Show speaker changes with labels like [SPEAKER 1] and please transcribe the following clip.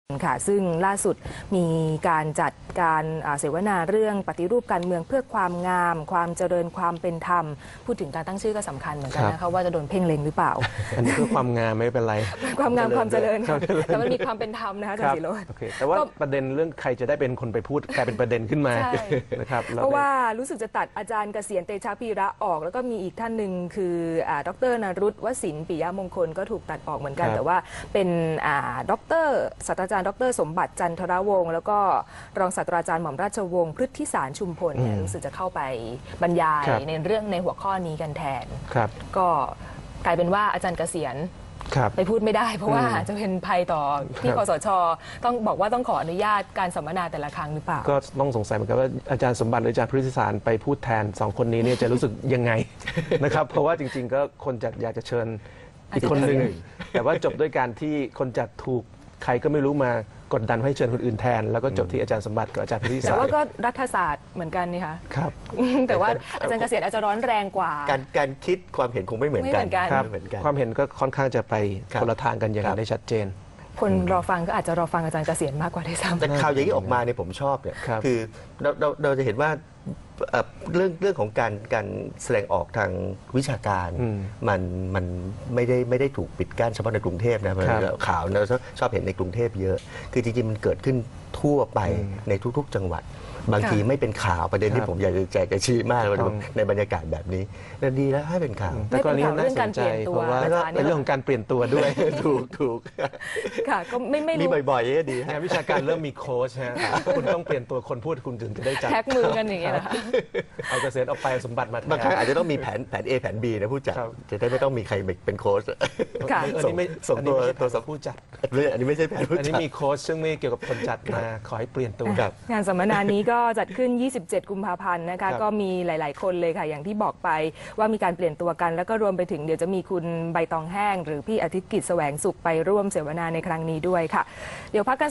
[SPEAKER 1] ค่ะซึ่งล่าสุดมีการจัดการเสวนาเรื่องปฏิรูปการเมืองเพื่อความงามความเจริญความเป็นธรรมพูดถึงการตั้งชื่อก็สำคัญเหมือนกันนะคะว่าจะโดนเพ่งเล็งหรือเปล่า
[SPEAKER 2] อันนี้เพื่อความงามไม่เป็นไร
[SPEAKER 1] ความงามความเจริญแต่มันมีความเป็นธรรมนะคะอาจารย์ศิโรจน์
[SPEAKER 2] แต่ว่าประเด็นเรื่องใครจะได้เป็นคนไปพูดกลายเป็นประเด็นขึ้นมานะครับ
[SPEAKER 1] เพราะว่ารู้สึกจะตัดอาจารย์เกษียณเตชะพีระออกแล้วก็มีอีกท่านหนึ่งคือดร.นรุตวสินทร์ปิยมงคลก็ถูกตัดออกเหมือนกันแต่ว่าเป็นดร.ศาสตราจารย์ดร.สมบัติจันทรวงศ์แล้วก็รองศาสตราจารย์หม่อมราชวงศ์พฤทธิสารชุมพลรู้สึกจะเข้าไปบรรยายในหัวข้อนี้กันแทนก็กลายเป็นว่าอาจารย์เกษียณไปพูดไม่ได้เพราะว่าจะเป็นภัยต่อที่คสช.ต้องบอกว่าต้องขออนุญาตการสัมมนาแต่ละครั้งหรือเปล่า
[SPEAKER 2] ก็ต้องสงสัยเหมือนกันว่าอาจารย์สมบัติหรืออาจารย์พฤทธิสารไปพูดแทน2คนนี้เนี่ยจะรู้สึกยังไงนะครับเพราะว่าจริงๆก็คนจัดอยากจะเชิญอีกคนหนึ่งแต่ว่าจบด้วยการที่คนจัดถูกใครก็ไม่รู้มากดดันให้เชิญคนอื่นแทนแล้วก็จบที่อาจารย์สมบัติกับอาจารย์พฤทธิสาร
[SPEAKER 1] แต่ว่าก็รัฐศาสตร์เหมือนกันนี่คะ
[SPEAKER 2] ครับ
[SPEAKER 1] แต่ว่าอาจารย์เกษียณอาจจะร้อนแรงกว่า
[SPEAKER 3] การคิดความเห็นคงไม่เหมือนกัน
[SPEAKER 2] ความเห็นก็ค่อนข้างจะไปคนละทางกันอย่างได้ชัดเจน
[SPEAKER 1] คนรอฟังก็อาจจะรอฟังอาจารย์เกษียณมากกว่าด้วยซ้ำ
[SPEAKER 3] แต่ข่าวอย่างนี้ออกมาเนี่ยผมชอบเนี่ยคือเราจะเห็นว่าเรื่องของการแสดงออกทางวิชาการมันไม่ได้ถูกปิดกั้นเฉพาะในกรุงเทพนะข่าวเราชอบเห็นในกรุงเทพเยอะคือจริงๆมันเกิดขึ้นทั่วไปในทุกๆจังหวัดบางทีไม่เป็นข่าวประเด็นที่ผมอยากจะแจกกระชี้มากเลยในบรรยากาศแบบนี้แล้วดีแล้วให้เป็นข่าว
[SPEAKER 2] แต่กรณีน่าสนใจเพราะว่าเป็นเรื่องของการเปลี่ยนตัวด้วย
[SPEAKER 3] ถูก
[SPEAKER 1] ค่ะก็ไม่
[SPEAKER 3] มีบ่อยๆก็ดี
[SPEAKER 2] งานวิชาการเริ่มมีโค้ชฮะคุณต้องเปลี่ยนตัวคนพูดคุณถึงจะได้จัด
[SPEAKER 1] แท็กมือกันอย่างเงี้ยนะคะ
[SPEAKER 2] เอาเกษียณออกไปสมบัติมา
[SPEAKER 3] บางครั้งอาจจะต้องมีแผน A แผน B นะผู้จัดจะได้ไม่ต้องมีใครเป็นโค้ช
[SPEAKER 2] ส่งตัวผู้จัด
[SPEAKER 3] อันนี้ไม่ใช่แผนผู้จัด
[SPEAKER 2] อันนี้มีโค้ชซึ่งไม่เกี่ยวกับคนจัดมาขอให้เปลี่ยนตัว
[SPEAKER 1] งานสัมมนานี้ก็จัดขึ้น27 กุมภาพันธ์นะคะก็มีหลายๆคนเลยค่ะอย่างที่บอกไปว่ามีการเปลี่ยนตัวกันแล้วก็รวมไปถึงเดี๋ยวจะมีคุณใบตองแห้งหรือพี่อาทิตย์กิจแสวงสุขไปร่วมเสวนาในครั้งนี้ด้วยค่ะเดี๋ยวพักกัน